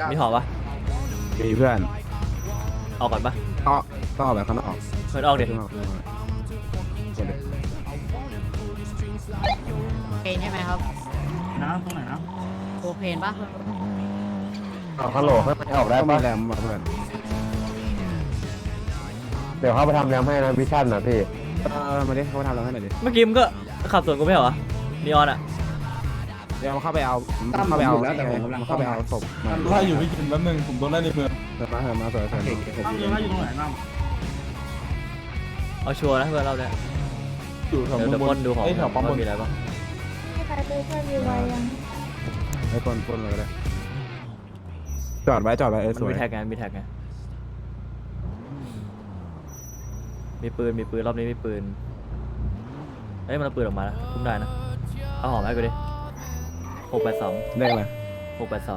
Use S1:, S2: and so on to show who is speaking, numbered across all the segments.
S1: มีหอปะ
S2: มีเพื่อน
S1: ออกก่อนปะ
S2: ต้องออกแบบข้างนอก
S1: เพื่อนออกเด็ก
S2: ข้างนอกคนเดียว
S3: เพนใช่ไหมครับ
S4: นะตรงไหนนะ
S3: โคเพนปะ
S5: ฮัลโหลข้างในออกได้
S2: ต้องมี
S5: ปะ
S2: แรมมาเพื่อน
S5: เดี๋ยวเขาไปทำแรมให้นะวิชั่นนะพี่
S2: มาดิเขามาทำเราให้หน่อยดิ
S1: เมื่อกี้มึงก็ขับสวนกูไม่เหรอนีออนอะ
S2: เดี๋ยวเข้าไปเอาเข้าไปเอาเข้าไปเอาศพมา
S6: ไล่อยู่พี่กินแป๊บนึงผมโดนไล่ในเมือง
S2: เถิดมาสวย
S4: ตั้มยังไล่อยู่ตรงไหนตั้ม
S1: เอาชัวร์นะเพื่อนเราเนี่ย
S6: อยู่แถว
S1: เดี๋ยว
S6: บ
S1: พ่นดูของ
S6: ไอ้แถวปั๊มบ
S1: ว่าน มีอะไรบ้าง
S7: ใครไปช่วยรีไวยัง
S2: ให้ปนเลยก็ได้จอดไว้ส
S1: มัน
S2: วย
S1: มีแท็กไงมีแท็กไงมีปืนรอบนี้มีปืนเอ้ยมันเอาปืนออกมาแล้วคุ้มได้นะเอาหอมให้กูดิ682
S2: ได้เลย
S1: 682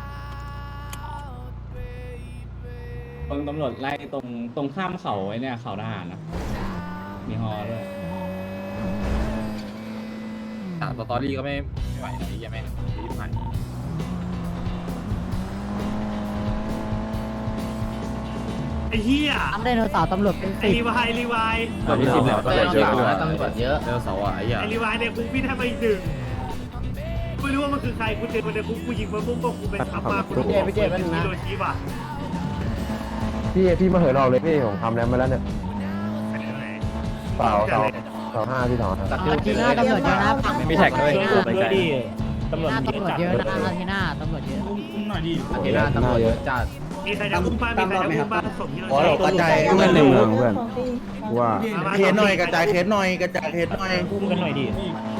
S4: ตำรวจไล่ตรงข้ามเขาไอ้เนี่ยเขาทหารนะมีฮอด้วยสตอรี่ก็ไม่ไหวนะไอ้ยังไม่รีบผ่าน
S8: ไอ้เหี้ย
S3: ทำไดโนเสาร์ตำรวจเป็น
S8: ไอ้
S3: สิบ
S8: รีวายรีวาย
S1: ตอนที่10แล้ว
S4: ตำรวจเยอะตำรวจเยอะเร็วเสาอ่ะไอ้เหี้ย
S8: ไอ้รีวายเนี่ยกูพี่ให้มาอีกหนึ่งไม่รู้ว่ามันคือใครกูเจอมันในคุกกูยิงมันปุ๊บก็กูเป็นทัพมากูฮิโรชิว่ะ
S5: พี่มาเหินออกเลยพี่ผมทำแรมมาแล้วเนี่ย
S8: ไปไหน
S5: เปล่าเสาห้าพี่เสาห้า
S3: อาทีหน้าตำรวจเยอะนะฝั่ง
S1: มีแท็กด้วย
S3: อา
S1: ไปไกล
S3: ตำรวจเยอะนะอาทีหน้าตำรวจเยอะ
S4: อุ้มหน่อยดิ
S5: เห็นหน้าตำรวจเยอะจัด
S8: มีใครจะอุ้มบ้านมีใครจะอุ้มบ้านส่งฮิโรชิ
S2: เพื่อนในเมืองเพื่อนว่า
S8: เคสหน่อยกระจายเคส
S4: อุ้มกันหน่อยดิ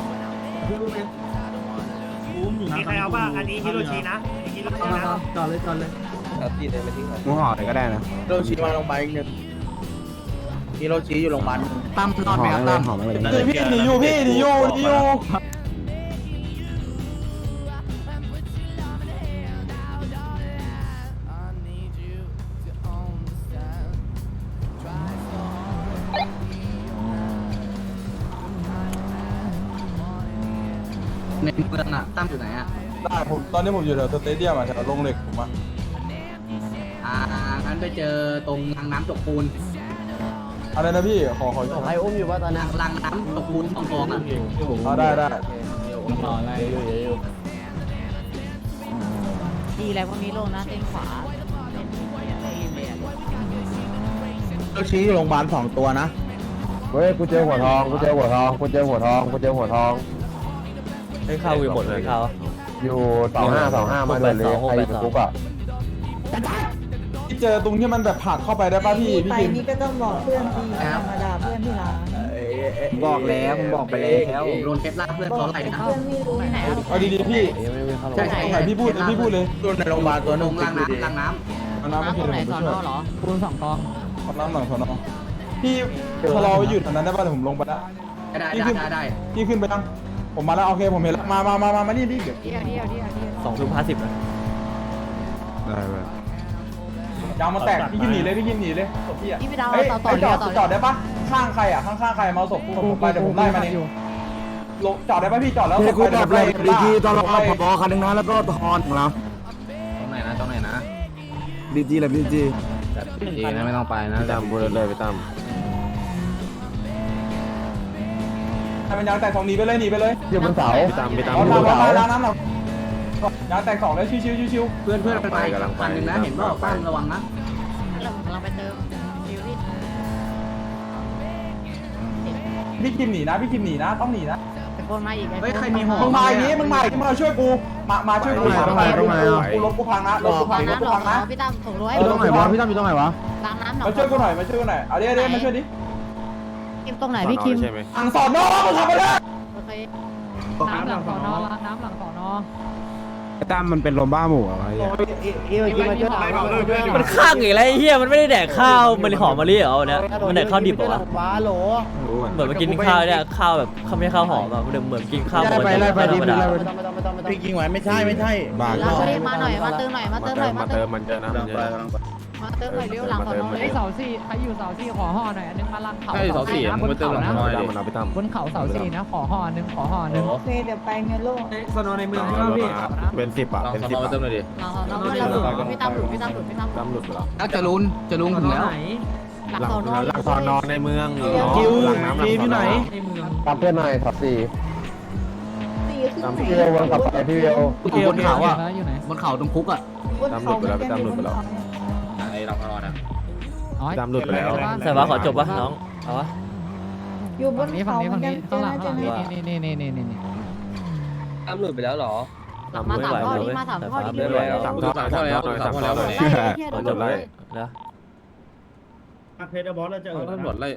S4: อุ้มอยู่นะ
S8: มีใครเอาบ้างอันนี้ฮิโรชินะฮิโรชินะ
S4: จอดเลย
S2: มึงห่อเลยก็ได้นะ
S9: ฮิโรชิมาโรงพยาบาลอีกหนึ่งฮิโรชิอยู่โรงพยาบาล
S3: ตั้มนอนไหมครับตั้ม
S2: ห่อไม่เลย
S6: พี่หนีอยู่พี่หนีอยู่
S9: ในเมืองอ่ะตั้มอยู่ไหนอ่ะ
S6: ได้ผมตอนนี้ผมอยู่แถวสเตเดียมอะแถวโรงเหล็กผมอะ
S9: งั้นไปเจอตรงรางน้ำตกปูน
S6: อะไรนะพี่ขอ
S5: ใครอุ้มอยู่ป่ะตอนนี้
S9: รางน้ำตกปูนของอ่ะ
S6: เอาได้
S4: รออะไร
S3: ดีอะไรพวกนี้ลงนะเส้นขวา
S9: ฮิโรชิอยู่โรงพยาบาล2 ตัวนะ
S5: เฮ้ยกูเจอหัวทองกูเจอหัวทองกูเจอหัวทองกูเจอหัวทอง
S1: ให้ข้าวกูหมดเลยข้าว
S5: อยู่เสาห้ามาเลยเลยใครอยู่คุกอ่ะ
S6: พี่เจอตรงที่มันแบบผลักเข้าไปได้ป่ะพี่
S7: ไป
S6: กิน
S7: นี่ก็ต้องบอกเพื่อนทีธรรมดาเพื่อนที่ร้าน
S9: บอกแล้วผมบอกไปแล้วโดนเคสล่าเพื่อนเขาไล่นะ
S7: เพื่อนไม่รู้ไหน
S6: เอาดีๆพี่
S9: ใช่
S6: ไหนพี่พูดเลย
S9: ตัวในโรงพยาบาลตัวนึงรางน้ำ
S6: เอาน้ำมา
S3: น้ำต
S6: กิ
S3: ร
S6: น
S3: งไหน
S6: ผม
S3: ส
S6: ไป
S3: อน
S6: ช่วย
S3: อเหรอปูน2 กอง
S6: เอาน้ำหน่อยสอนอพี่ชะลอไว้อยู่แถวนั้นได้ป่ะเดี๋ยวผมลงไปละ
S9: ได้
S6: พี่ขึ้นไปยังผมมาแล้วโอเคผมเห็นแล้วมานี่ดิเดี๋ยว
S3: เดียว
S1: 2:50นะ
S2: ได้เว้ย
S6: ยางมาแตกพี่กินหนีเลยศพพี่อะ
S3: พี่ไปดาว
S6: เอ้ย
S3: ต่อ
S6: จอดได้ปะข้างใครอะข้างใครมาศพผมไปเดี๋ยวผมไล่มันเองจอดได้ปะพี่จอดแล้ว
S2: เฮ้ยกูแบบเลยดีจีตอนเรา
S6: ไป
S2: เอาพอคันนึงนะแล้วก็ทอนของเรา
S9: ตรงไหนนะ
S2: ดีจีเลยดีจี
S9: ดีนะไม่ต้องไปนะ
S5: ตามกูเลยไปตาม
S6: ให้มันยางแตก2หนีไปเลย
S5: อยู่บนเสา
S6: เอาน้ำหน่อยยางแตก2แล้วชิว
S9: เพื่อนไปคันนึงนะเห็นว่าตั้มระวังนะ
S3: เราไปเติมฟิวที่
S6: พี่กินหนีนะต้องหนีนะ
S3: ตะโกนมาอีก
S9: เฮ้ยใครมีหอ
S6: มึงมาอย่างนี้มาช่วยกูมาช่วยกูกูรถกูพังนะรถกูพัง
S3: น้ำหรอ
S6: นะ
S3: พี่ตั้มส่งรถให้
S2: ตรงไหนวะพี่ตั้มอยู่ตรงไหนวะ
S3: ล้างน้ำหนอ
S6: มาช่วยกูหน่อยเอาเดี๋ยวมาช่วยดิ
S3: คิมตรงไหนพี่คิม
S6: ทางสอนน้องทำไปเลย
S3: โอเคน้ำหลังสอนอล้างน้ำหลังสอนอ
S2: ไอ้ตั้มมันเป็นลมบ้าหมู่อะไรอย่าง
S1: มันข้างอีกแล้วไอ้เหี้ยมันไม่ได้แดกข้าวมันหอมมะลิเหรอวันเนี้ยมันแดกข้าวดิบเหรอวะ
S2: รู้
S1: เหมือนมากินข้าวเนี่ยข้าวแบบข้าวไม่ใช่ข้าวหอมอะเหมือนกินข้าวปกติธรรมดา
S9: พี่กิงไว้ไม่ใช่
S2: บ้า
S3: เรามาหน่อยมาเติมหน่อยมาเติม
S5: มันเจอนะ
S3: มาเติมหน่อยเร็วหลังสอนอเลยเสาสี่ใครอยู่เสาสี่ขอห่อหน่อยอันนึงมาลังเขา
S2: ใช่เสาสี่มึงไปเติมหลังน้อยดิมันเอาไปตั้ม
S3: บนเขาเสาสี่นะขอห่อนึงขอห่อนึง
S7: โอเคเดี๋ยวไปเงินโลก
S9: สนอในเมืองใช่ไหมพี่
S2: เป็น10อ่ะเป็น10อ่ะ
S3: หลังสอนอพี่ตามหลุดพี่ตามหลุดพี่ตามหลุ
S2: ตั้
S3: ด
S2: มหลุดไปแล้ว
S9: จะลุนถึงแล้ว
S3: หลังสอนอ
S2: หลังสอนอในเมือง
S5: คิว
S2: หลังน้ำหลังสอนอ
S5: ตามเพื่อนหน่อยขับสี่
S7: สี่ขึ้น
S5: พี่เวลวนขับไปพี่เวล
S9: บนเขาอ่ะ
S3: อยู่ไหน
S9: บนเขาตรงคุกอ่ะ
S7: บนเขาเหมือนกันอยู่บนเขา
S2: ไอ้หลังสอนอนะ
S3: อ๋อ
S2: ตั้มหลุดไปแล้ว
S1: ใส่ว่าขอจบปะน้องเอาวะ
S7: อยู่บน
S3: นี้
S7: เขา
S3: ฝั่ง
S7: เห
S3: นี้
S7: มื
S3: ฝั่
S7: อง น
S3: นี้
S7: กัน
S3: ข้างหลัง
S7: เจอ
S3: นี่นี่
S9: ตำรวจไปแล้วหรอ
S3: มาสามข้อนี้มาสามข้อนี้
S1: ไม่ไหวแล้ว
S2: 3 ท่อแล้ว3 ท่อแล้ว
S1: ขอจบเลยแล้ว
S8: เพชรบอสเราจะเออ
S2: ตำรวจไล่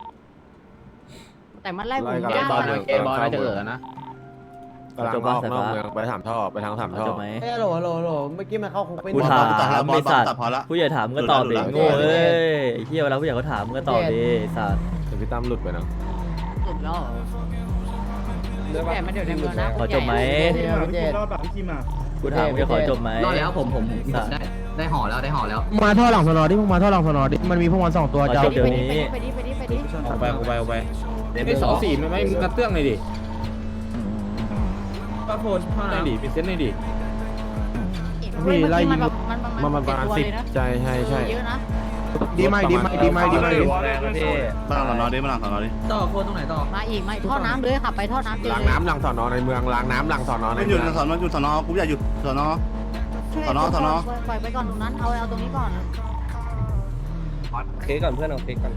S3: แต่มันไล่ผม
S2: ไล่
S3: ยาก
S2: บอล
S9: บอลน่าจะเออนะ
S2: กำลังออกนอกเมืองไป3 ท่อไปทาง3 ท่อ
S1: จบไหม
S5: ฮัลโหลฮัลโหลฮัลโหลเมื่อกี้มันเข้าคุกไป
S1: กูถามไอ้สัตว์ผู้ใหญ่ถามมึงก็ตอบดิโง่เอ้ยไอ้เหี้ยเวลาผู้ใหญ่เขาถามมึงก็ตอบดิไอ้สัตว์
S2: เดี๋ยวพี่ตั้มหลุดไปนะ
S3: สุดแล้วแต่มันเดี๋ยวในเมืองนะ
S1: ขอจบไหม
S8: รอดแบบพี่คิมอ่ะ
S1: กูถามมึงจะขอจบไหม
S9: รอดแล้วผมได้ห่อแล้วได้ห่อแล้ว
S5: มาท่อหลังสนอดิมึงมาท่อหลังสนอดิมันมีพวกมัน2 ตัว
S1: ขอ
S5: จะ
S1: จบเดี๋ยวนี้
S3: ไปดิ
S2: ออกไปไอ้2 4ไม่กระเตื้องเลยดิ
S9: ป้าโพน
S2: ได้ดิเป็นเส้นได้ดิ
S3: มัน
S2: ประมาณ10ใช่ใช่ใช่
S3: เยอะนะ
S5: ดีไหม
S8: มาหลังสอนอดิมาหลังสอนอดิ
S9: ต่อโพนตรงไหนต่อ
S3: มาอีกท่อน้ำเลยขับไปท่อน้ำ
S2: ล้างน้ำหลังสอนอในเมืองล้างน้ำหลังสอนอใน
S8: มันห
S2: เมื
S8: ยุ
S2: อ
S8: ด
S2: ง
S8: สอนอหยุดสอนอกูอยากหยุดสอนอ สอนอ
S3: ปล่อยไปก่อนตรงนั้นเอาตรงนี้ก่อน
S9: เคก่อนเพื่อนเอาเคก่อน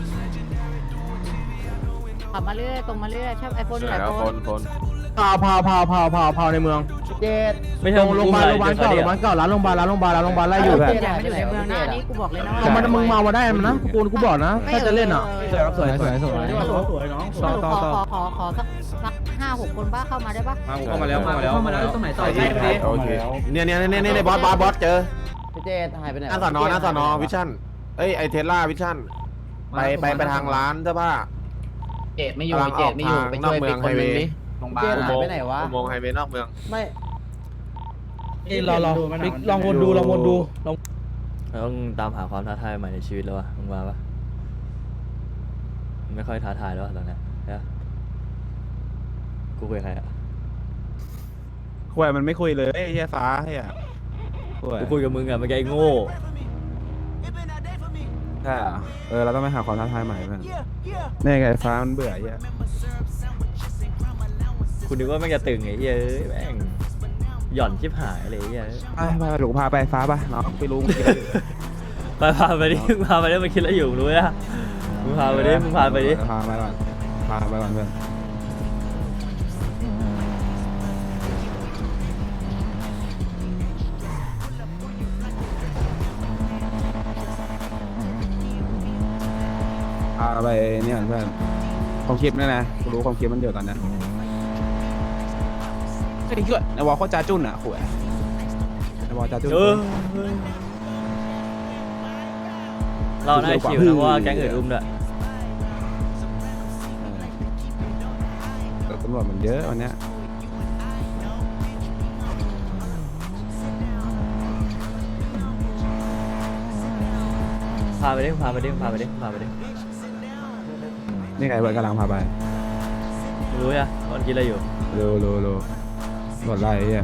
S3: ขับมาเรื่อยตรงมาเรื่อยใช่ไอโฟนอยู่ไหน
S2: แล้ว
S3: โฟ
S2: คน น
S5: พาในเมืองเจ็ด
S1: ไม่ใช่
S5: โรงพยาบาลเก่าร้านโรงพยาบาลไล่อยู่แบบ
S3: แต่ไม่อยู่ในเมืองนะนี่กูบอกเลยนะ
S5: เอามันมึงมาได้มันนะกูบอกนะถ้าจะเล่นอ่ะสวย
S8: สวยน้อง
S3: ขอสัก5-6 คนบ้าเข้ามาได้ปะ
S2: เข้ามาแล้ว
S9: ตรงไหนต่อ
S2: โอเคเนี่ยบอสเจอ
S5: เจ็ดหายไปไหน
S2: หน้าสอนอวิชั่นเอ้ยไอเทสลาวิชั่นไปทางร้านเสื้อผ้า
S9: เจดไม่อยู่เจดไม่อยู่ไปช่วยเป็นคนนึงดิโรงพยาบาล
S5: หายไปไหนวะ
S2: อุโมงค์ไฮเวย์นอกเมือง
S5: ไม่ลองวนดู
S1: เราต้องตามหาความท้าทายใหม่ในชีวิตแล้ววะมึงมาปะไม่ค่อยท้าทายแล้วตอนนี้นะกูคุยกับใครอ่ะ
S10: คุยมันไม่คุยเลยไอ้เหี้ยฟ้าเหี้ยคุย
S1: กูคุยกับมึงอ่ะเมื่อกี้ไอ้โง่
S10: ใช่เราต้องไปหาความท้าทายใหม่เพื่อนนี่ไงฟ้ามันเบื่อเหี้ย
S1: คุณนึกว่าแม่งจะตึงไอ้เหี้ยเอ้ยแม่งหย่อนชิบหายเลยไอ้เหี้ย
S10: ไปหลงพาไปฟ้าป่ะน้องไปลุง
S1: ไปพาไปดิมึงพาไปดิมาคิดแล้วอยู่รู้ไหมมึงพาไปดิ
S10: พาไปก่อนเพื่อนพาไปเนี่ยเพื่อนความคิดนี่นะกูรู้ความคิดมันเยอะกันนะก็ดีเกิดในวอลเขาจ้าจุ้นอ่ะขวยในวอลจ้าจุ้น
S1: เราได้คิวนะเพราะว่าแก๊งอื่นอุ้มด้วย
S10: ตำรวจมันเยอะวันเนี้ย
S1: พาไปดิพาไปดิพาไปดิพาไปดิ
S10: นี่ไงเพื่อนกำลังพาไป
S1: รู้อ่ะมันคิดอะไรอยู่
S10: โลหมดไรไอ้เหี้ย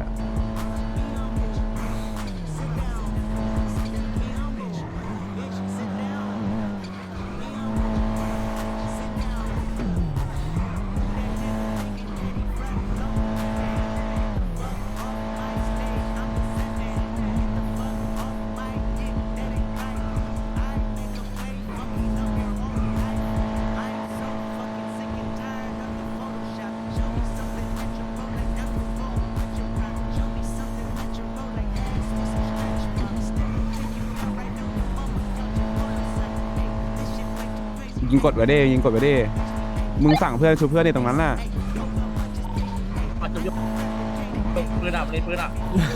S10: ยิงกดไว้ดิมึงสั่งเพื่อนชูเพื่อนในตรงนั้นน่ะ
S8: ปืนดับเลยปืนดับ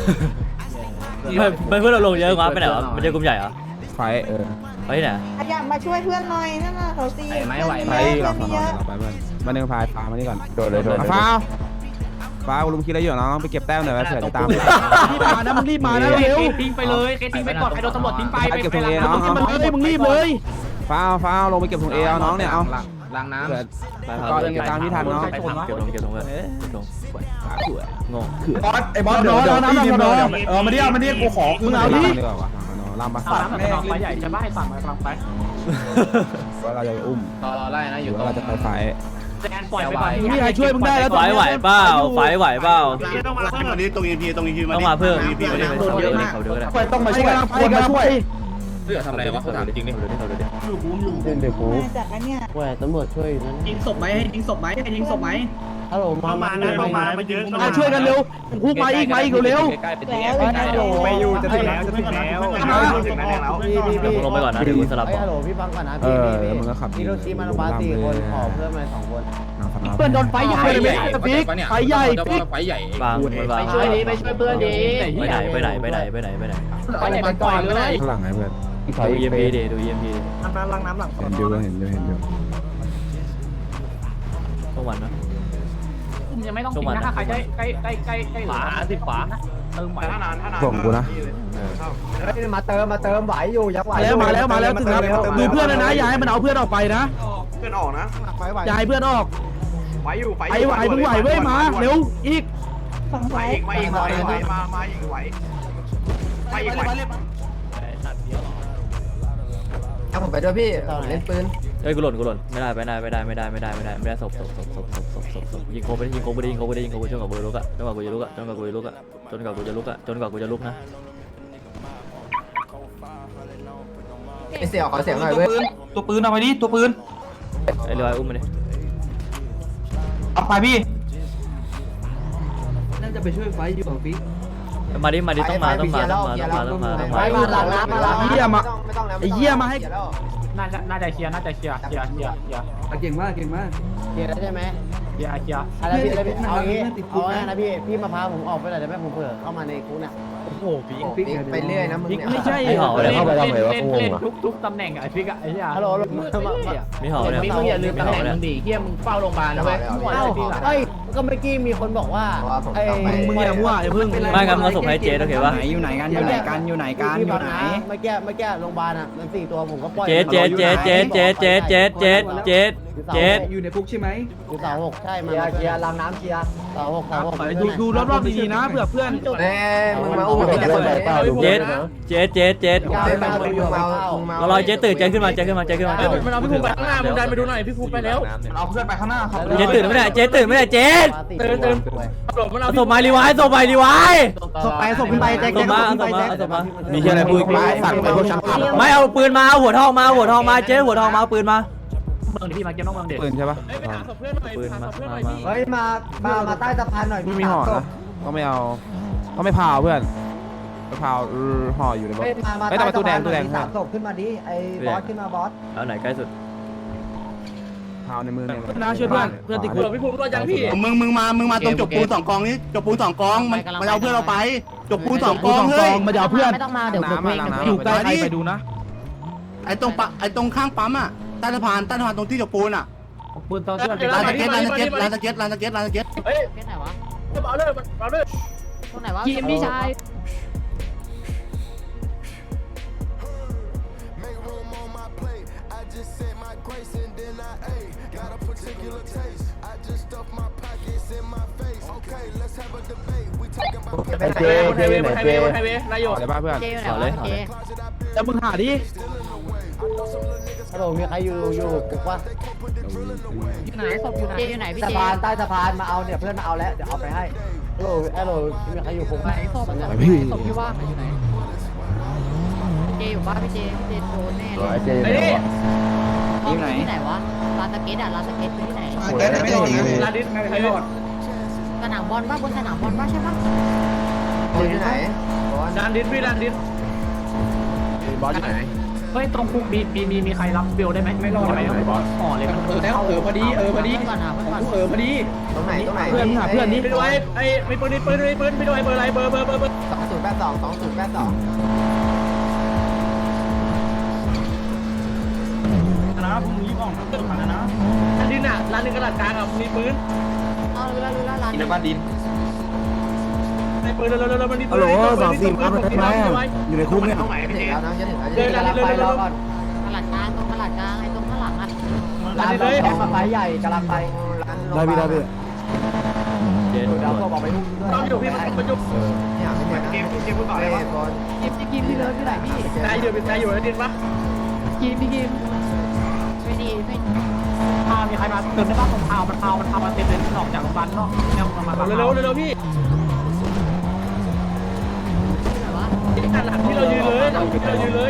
S1: ไม่เพื่อนเราลงเยอะกว่าไปไหนวะมันจะกลุ่มใหญ่เหรอ
S10: ไฟ
S1: ไปที่ไหน
S7: อยากมาช่วยเพื่อนหน่อยนั่นน่ะเขาสี่
S10: ไฟเรา
S7: เพื่อน
S10: ไปเพื่อนมาเดินพามานี่ก่อน
S5: โดดเลย
S10: ฟ้าฟ้าลุงคิดอะไรอยู่น้องไปเก็บแต้มหน่อยเผื่อจะตาม
S6: รีบมานะมึงรีบมานะเร็วทิ้งไปเลยทิ้งไปก่อนใครโดนตำรวจทิ้งไป
S10: ไปเก็บถุงเอน้อง
S6: มันเลยมึงรีบเลย
S10: ฟ้าลงไปเก็บถุงเอเอาน้องเนี่ยเอา
S9: ล้างน้ำ
S10: เผื่อก็เก็บตามที่ทันเนาะ
S1: เก็บลงเก็บลงเก็บลงเลยเก็บลงงง
S6: บอสไอ้บอสเดี๋ยวน้ำพี่น้องมาดิมาดิกูขอมึงเอาดิ
S10: ดีกว่าวะลำปะ
S6: น้ำน้องไปใหญ่จะบ้าให้สั่งไปฟังไป
S10: ว่าเราจะอุ้ม
S9: รอไล่นะอยู่
S10: ว่าเราจะไปไฟ
S6: แซนปล่อยไปก่อนมีใครช่วยมึงได้แล้ว
S1: ไฟไหวเปล่าไฟไหวเปล่า
S8: ต้องมาเพิ่มตรง EP
S1: ต้องมาเพิ่ม
S8: EP
S1: ไม่ได้ไปเขาเดียวเขาเดียวก็ได้
S6: ต้องมาช่วยควรมาช่วย
S9: เพื่อทำอะไรวะเขาถามจริงดิ
S1: เขาเดียว
S5: เดี๋ยวกู
S7: มาจากอันเนี้ย
S5: แหวตำรวจช่วยอยู่นั่น
S6: ยิงศพไหมให้ยิงศพไหมให้ยิงศพไหม
S5: ฮัลโหล
S8: เข้ามานะเข้ามามาเยอะ
S6: มาช่วยกันเร็วคุกมาอีกเร็ว
S7: แล้ว
S8: ไปอยู่จะถึงแล้วจะถึงแล้วถึงแล้ว
S1: เดี๋ยวผมลงไปก่อนนะเดี๋ยวผมสลับ
S5: ฮัลโหลพี่ฟังก่อนนะ
S10: แล้วมึงก็ขับ
S5: ฮิโรชิมาโนบา4 คนขอเพิ่มมา2 คน
S6: เพื่อนโดนไฟใหญ่เลยปิ๊กไฟใหญ่ปิ๊ก
S9: ไฟใหญ่
S1: บางมันบาง
S6: ไปช่วยเพื่อนดี
S1: ไปไหน
S6: ไฟใหญ่ไปก่อนเลย
S10: ข้างหลังไงเพื่อน
S1: ดู EMP ดิดู EMP
S6: น้ำล้างน้ำหลัง
S10: เห็นอยู่เห็นอยู่
S1: ต้องวันนะ
S6: ยังไม่ต้องทิ้งนะถ้าใครใกล้ขวาสิขวาเติมไหว
S10: ส่งกูนะ
S5: มาเติมไหวอยู่ยังไหว
S6: มาแล้วถึงแล้วดูเพื่อนนะอย่าให้มันเอาเพื่อนออกไปนะ
S8: เพื่อนออกนะ
S6: อย่าให้เพื่อนออก
S8: ไหวอยู่
S6: ไอ้ไหวมึงไหวเว้ยมาเร็วอีก
S7: ฝั่ง
S8: ไหว
S7: ซ้าย
S8: อีกมาอีกไหวไปอีกไหว
S5: เอาผมไปด้วยพี่เล่นปืน
S1: เอ้ยกูหล่นไม่ได้ศพยิงโคไปยิงโคจนกว่ากูจะลุกอะจนกว่ากูจะลุกนะ
S5: ไอเสี่ยวขอเสียงหน่อยเว้ย
S6: ตัวปืนเอาไปดิตัวปืน
S1: ไอ้เรืออุ้มมาดิ
S6: เอาไปพี่
S5: น่าจะไปช่วยไฟอยู่ของพี่
S1: มาดิต้องมา
S5: ไฟมาหลังน้ำมาหลัง
S6: ไอ้เหี้ยมา
S5: ไม่ต้องแล้ว
S6: ไอ้เหี้ยมาให้
S3: น่าจะเคลียร์
S5: เก่งมากเกียร์ได้ใช่ไหม
S3: เคลียร์
S5: อะไรพี่เอางี้เอาไงนะพี่มาพาผมออกไปหน่อยได้ไหมผมเผื่อเข้ามาในคุกเนี่ยโอ้โหพี่ไปเรื่อยนะมึงเนี่ย
S6: ไม่ใช่
S5: เล่น
S3: ทุกตำแหน่งอะไอ้ฟิกอะไอ้เหี้ย
S5: ฮัลโหล
S1: มีห่อเนี่ย
S5: มึงอย่าลืมตำแหน่งมึงดิเฮียมึงเฝ้าโรงพยาบาลนะเว้ยเอ้ยก็เมื่อกี้มีคนบอกว่าไอ้
S6: มึงอย่ามั่วอย่าพึ่ง
S1: ไม่งั้นมึงเอาส่งให้เจ๊โอเคปะ
S5: อยู่ไหนเมื่อกี้โรงพยาบาลอ่ะมัน4 ตัวผมก็ปล่อย
S1: เจ๊
S5: อยู่ในคุกใช่ไหมอยู่เสา6ใช่มันเคลียร์ลำน้ำเคลียร์เสา6
S6: ดูรอบๆดีๆนะเผื่อเพื่อน
S5: มึงมาอุ้มเจ๊
S1: เรารอเจ๊ตื่นเจ๊ขึ้นมา
S6: มันเอาพี่ภูมิไปข้างหน้ามึงดันไปดูหน่อยพี่ภูมิไปแล้วเอาเพื่อนไปข้างหน้าครับ
S1: เจ๊ตื่นไม่ได้เจ๊ส่งมารีไวซ์
S5: ศพขึ้นไปแจ็ค
S1: ส่งมา
S2: มีที่อะไรพูดสั่งไปพวกฉันขับ
S1: ไม่เอาปืนมาเอาหัวทองมาเจ๊หัวทองมาเอาปืนมา
S3: เมืองที่มาเก็บน้องเมืองเด็ก
S10: ปืนใช่ปะ
S1: ปืนมา
S5: เฮ้ยมาใต้สะพานหน่อย
S10: ไม่มีห่อนะก็ไม่เอาก็ไม่พาวเพื่อนไปพาวห่ออยู่ในรถ
S5: มาใต้สะพาน3 ศพขึ้นมาดิไอ้บอสขึ้นมาบอส
S1: เอาไหนใกล้สุด
S10: พาวในมือเนี่ย
S6: นะช่วยเพื่อนติดคุกพี่ภูมิรอดยังพี่
S8: มึงมาตรงจบปูน2 กองนี้จบปูน2 กองมันเอาเพื่อนเราไปจบปูน2 กองเฮ้ย
S6: มาเดี๋ยวเพื่อน
S3: ไม่ต้องมาเดี๋ยวผมเอง
S6: อยู่ใกล้ใครไปดูนะ
S8: ไอ้ตรงข้างปั๊มอ่ะใต้สะพานตรงที่จบปูนอ่ะ
S3: ปืนต้องช่วย
S8: ร้านสเก็ตร้านสเก็ต
S3: แค่ไหนวะเอาเลยตรงไหนวะพี่ชาย
S5: ไอ้เจ๊อยู่ไหนเจ๊
S6: นายโย
S10: อะไรบ้าเพื่อน
S3: เจอยู่ไหน
S1: ขอเล
S3: วะ
S1: ย
S3: เจ
S6: แล้วมึงหาดิ
S5: ฮัลโหลมีใครอยู่คุกวะ
S3: อยู่ไหนศพอยู่ไหนเจอยู่ไหนพี่
S5: สะ
S3: เจ
S5: พานใต้สะพานมาเอาเนี่ยเพื่อนมาเอาแล้วเดี๋ยวเอาไปให้ฮัลโหลมีใครอยู่คุกไหม
S3: ศพที่ว่างอยู่ไหนเจอยู่บ้านพี่เจโดนแน่เลย
S5: เจ๊อยู่ไหน
S3: ที่ไหนวะลานสเก็ตลานสเก็ตคือที่ไหน
S6: ลาดิสใครรอด
S3: สนามบอลบ้าบนสนามบอลบ้าใช่ปะ
S5: อยู่ไหน
S6: ลาดิสพี่ลาดิส
S5: บอสอยู่ไหน
S3: เฮ้ยตรงคุกมีใครรับเบลได้ไหมไม่รอดไหมบอสห่อเลย
S6: แล้วพอดี
S3: ก่อนหาเพื่อนก่อน
S6: พอดี
S5: ตรงไหน
S6: เพื่อนหาเพื่อนนี้ไปด้วยไอ้ไม่ปืนไปด้วยเบอร์อะไรเบอร์
S5: 2082
S6: นะพวกมึงรีบออกเรื่องผ่านนะลาดินอ่ะลาดินกระดาษกลางอ่ะมีปืน
S3: เอารู้แล้วร้าน
S6: ในบ้านดิน
S10: ฮัลโหล24มาเป็นไงอยู่ในคุกเนี่ย
S8: ตรงไหนพี่เจ
S5: แล้วน้องจะถึงแล้วจะกำลังไปรอก่อน
S3: ตลาดกลางตรงตลาดกลางไอ้ตรงข้างหลังอ่ะ
S5: ร้านแข่งมาไฟใหญ่กำลังไป
S10: ได้พี่ได้พี่
S1: เดี๋ยว
S5: เดี๋ยวก็บอกไปพุ่งด้วย
S8: ต้องอยู่พี่มันอยู่
S5: เนี่ยไม่เหมือน
S8: เกมพี่เจพูดต่อเลยวะ
S3: กิมพี่เลิฟที่ไหนพี่
S8: นายอยู่แล้วดินปะ
S3: กิมไม่ดีไม่
S8: มีใครมาเติมได้บ้างผมมันพามาเต็มเลยออกจากโรงพยาบาลนอกเนี่ยมาเร็วพี่ด้านหลังที่เรายืนเลย
S4: ไห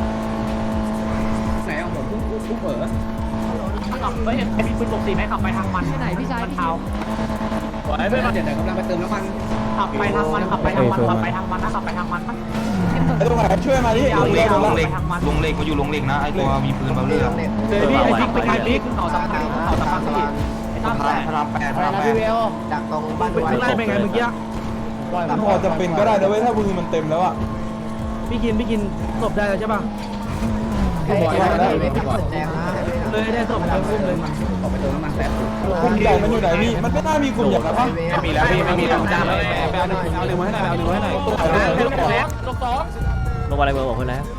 S4: นเอาผมพุ่งเผลอ
S8: ขับไปไอ้พี่ปืน64ไหมขับไปทางมัน
S3: ที่ไหนพี่ชาย
S8: มัน
S3: พี่
S8: เท้า
S4: ไอ้เพื่อนเดี๋ยวกำลังไปเติมน้ำมัน
S8: ขับไปทางมันขับไปทางมันขับไปทางมันนะขับไปทางมัน
S6: ไอ้ตรงไหนช่วยมาดิ
S8: เอาเลยเอาเลย
S10: ลงเหล็กมาอยู่ลงเหล็กนะไอตัวมีปืนเบาเรือ
S8: เลยพี่ไอ้บิ๊กไปไกลบิ๊กขึ้นเขาสัมพันธ์พี่ไอ้ตั้มแหละ
S5: อะไรนะพี่เวลดักตรงบ้านด้วย
S8: ข้างในเป็นไงเมื่อกี้
S6: มันพอจะเป็นก็ได้นะเว้ยถ้ามือมันเต็มแล้วอ่ะ
S8: พี่กินศพได้แล้วใช่ป่ะ
S5: ไอ้ไม่ตัดแดงนะ
S8: เลยได้ศพแล้วพุ่มเลย
S4: ออกไปเติมน้ำมันแป๊บ
S6: กลุ่มใหญ่มันอยู่ไหนนี่มันไม่น่ามีกลุ่มใหญ่นะปะ
S2: ไม่มีแล้วพี่ไม่มีแล้วจ้าเลย
S10: เอาหนึ่งมาให้หน่อยเอาหนึ่งมาให้หน่อย
S1: ลงมาอะไรเบอร์บอกคนแล้ว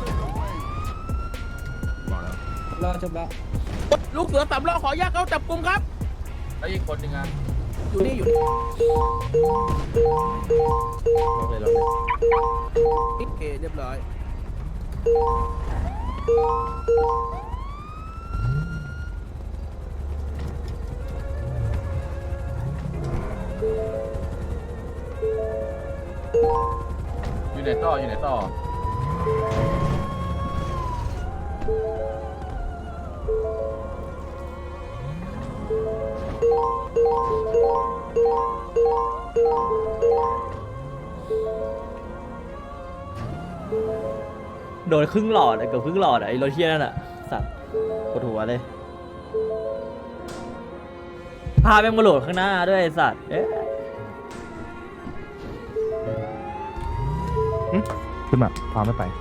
S4: รอจบแล้ว
S8: ลูกเสือสามล้อขอแยกเขาจับกลุ่มครับ
S2: แล้วอีกคนนึงอ่ะ
S8: อยู่นี่อยู่ โอเคเรียบร้อย
S2: อยู่ไหนต่ออยู่ไหนต่อ
S1: โดนครึ่งหลอดเกือบครึ่งหลอดไอ้รถเทียนั่นอ่ะสัตว์ปวดหัวเลยพาแม่งมาโหลดข้างหน้าด้วยไอ้สัตว์เอ๊ะ
S10: ขึ้นมาพาไม่ไป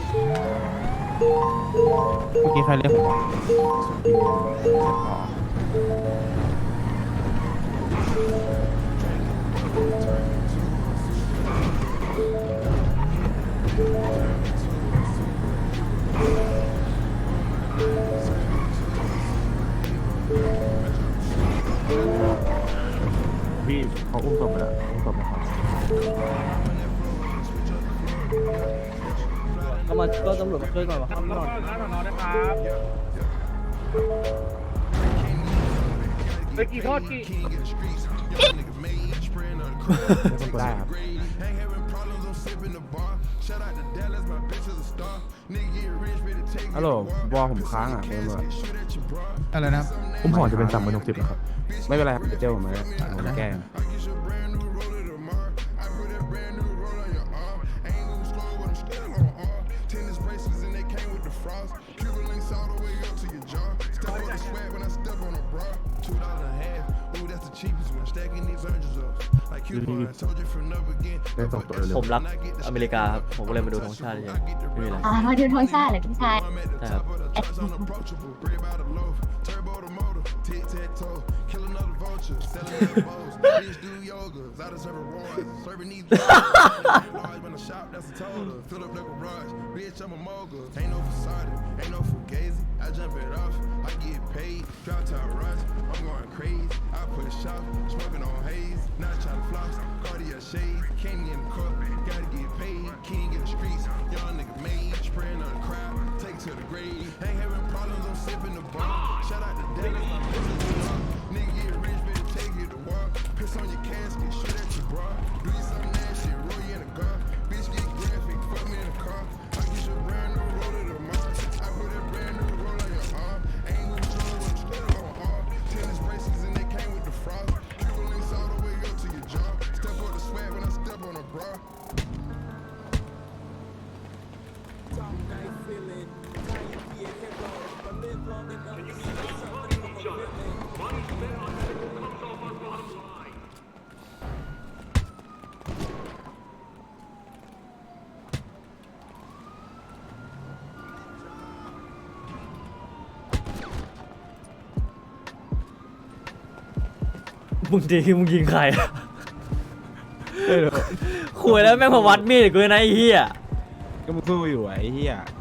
S10: เมื่อกี้ใครเรียกผมพี่เขาอุ้มศพไปแล้วอุ้มศพนะครับ
S1: ก็ตำรวจมาช่วยก่อนวะครับ
S8: ไปกี่ทอดกี่
S10: ได้ครับฮัลโหลบอผมค้างอ่ะเมื่อ
S6: อะไรนะ
S10: ผมห่อจะเป็น3,060นะครับไม่เป็นไรครับเดี๋ยวเจ้าผมมาผมแก้ ได้ส่งตัวเร็ว
S1: ผมรักอเมริกาครับผมก็เลยมาดูธงชาติเฉยๆไม่มีอะไร
S3: มาดูท้องชาติเลยพี่ชาย
S1: ใช่ครับ มึงดีมึงยิงใครอะคุยแล้วแม่งมาวัดมีดกูนะไอ้เหี้ย
S10: ก็มึงสู้อยู่ไอ้เหี้ย